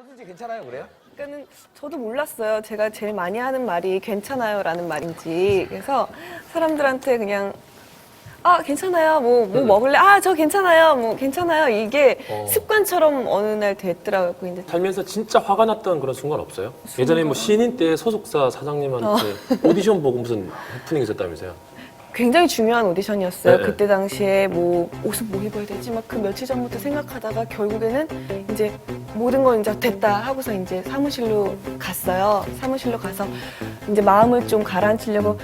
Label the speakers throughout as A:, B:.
A: 솔직히 괜찮아요, 그래요?
B: 그러니까는 저도 몰랐어요. 제가 제일 많이 하는 말이 괜찮아요라는 말인지. 그래서 사람들한테 그냥 아 괜찮아요. 뭐 먹을래? 아 저 괜찮아요. 뭐 괜찮아요. 이게 습관처럼 어느 날 됐더라고요. 근데
C: 살면서 진짜 화가 났던 그런 순간 없어요? 예전에 뭐 신인 때 소속사 사장님한테 오디션 보고 무슨 해프닝 있었다면서요?
B: 굉장히 중요한 오디션이었어요.
C: 네.
B: 그때 당시에 뭐 옷을 뭐 입어야 되지 막 그 며칠 전부터 생각하다가 결국에는 이제 모든 건 이제 됐다 하고서 이제 사무실로 갔어요. 사무실로 가서 이제 마음을 좀 가라앉히려고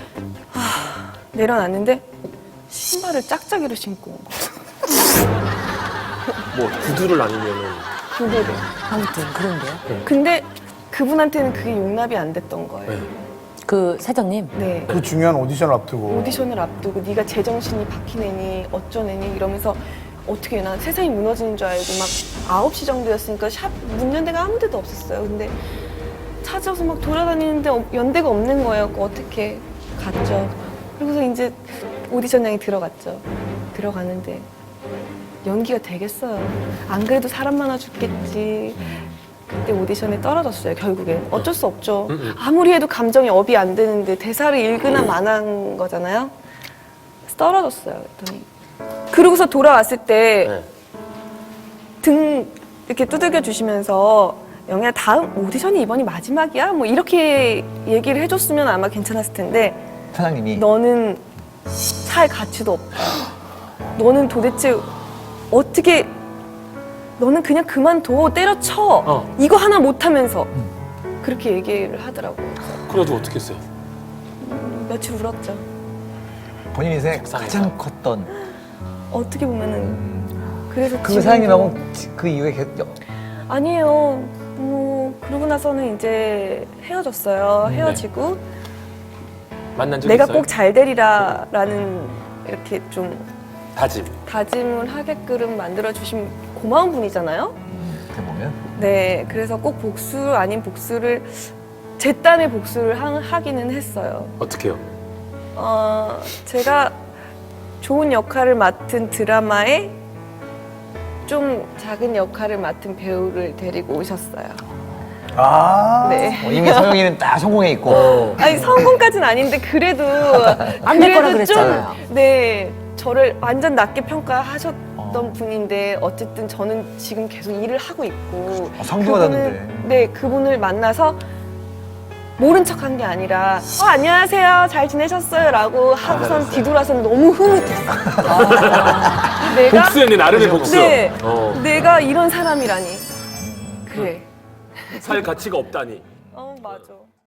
B: 내려놨는데 신발을 짝짝이로 신고 온 거예요.
C: 뭐 구두를 아니면은
B: 교대를.
D: 아무튼 그런데요.
B: 근데 그분한테는 그게 용납이 안 됐던 거예요.
C: 네.
D: 그 사장님.
B: 네.
E: 그 중요한 오디션을 앞두고
B: 오디션을 앞두고 네가 제정신이 박히네니 어쩌네니 이러면서 어떻게 나 세상이 무너지는 줄 알고 막 9시 정도였으니까 샵 문 연 데가 아무 데도 없었어요. 근데 찾아서 막 돌아다니는데 연대가 없는 거예요. 어떻게 갔죠. 그리고서 이제 오디션장에 들어갔죠. 들어가는데 연기가 되겠어요. 안 그래도 사람 많아 죽겠지. 그때 오디션에 떨어졌어요. 결국엔 어쩔 수 없죠. 아무리 해도 감정이 업이 안 되는데 대사를 읽으나 마나한 거잖아요. 그래서 떨어졌어요. 그랬더니 그러고서 돌아왔을 때 등 이렇게 두들겨 주시면서 영희야 다음 오디션이 이번이 마지막이야? 뭐 이렇게 얘기를 해줬으면 아마 괜찮았을 텐데
A: 사장님이
B: 너는 살 가치도 없다. 너는 도대체 어떻게 너는 그냥 그만둬 때려쳐 이거 하나 못하면서 그렇게 얘기를 하더라고요.
C: 그래가지고 어떻게 했어요?
B: 며칠 울었죠.
A: 본인 인생에
C: 속상해서.
A: 가장 컸던
B: 어떻게 보면은 그래서
A: 그
B: 지금도-
A: 사장님하고 그 이후에 계속
B: 아니에요. 뭐 그러고 나서는 이제 헤어졌어요. 헤어지고
C: 만난 적
B: 내가
C: 있어요?
B: 꼭 잘 되리라라는 이렇게 좀
C: 다짐.
B: 다짐을 하게끔 만들어 주신 고마운 분이잖아요.
A: 어떻게 보면
B: 네, 그래서 꼭 복수 아닌 복수를 제 딴의 복수를 하기는 했어요.
C: 어떻게요?
B: 제가 좋은 역할을 맡은 드라마에 좀 작은 역할을 맡은 배우를 데리고 오셨어요.
E: 아
B: 네.
A: 이미 서영이는 딱 성공해 있고
B: 아니 성공까지는 아닌데 그래도
D: 안 될 거라
B: 그래도
D: 그랬잖아요.
B: 좀, 네, 저를 완전 낮게 평가하셨던 분인데 어쨌든 저는 지금 계속 일을 하고 있고
A: 성공하다는데.
B: 네, 그분을 만나서 모른 척한 게 아니라 안녕하세요 잘 지내셨어요?라고 하고선 뒤돌아서는 너무 흐뭇했어. 내가
C: 복수였네, 나름의 복수.
B: 네,
C: 어.
B: 내가 이런 사람이라니. 그래.
C: 살 가치가 없다니.
B: 맞아.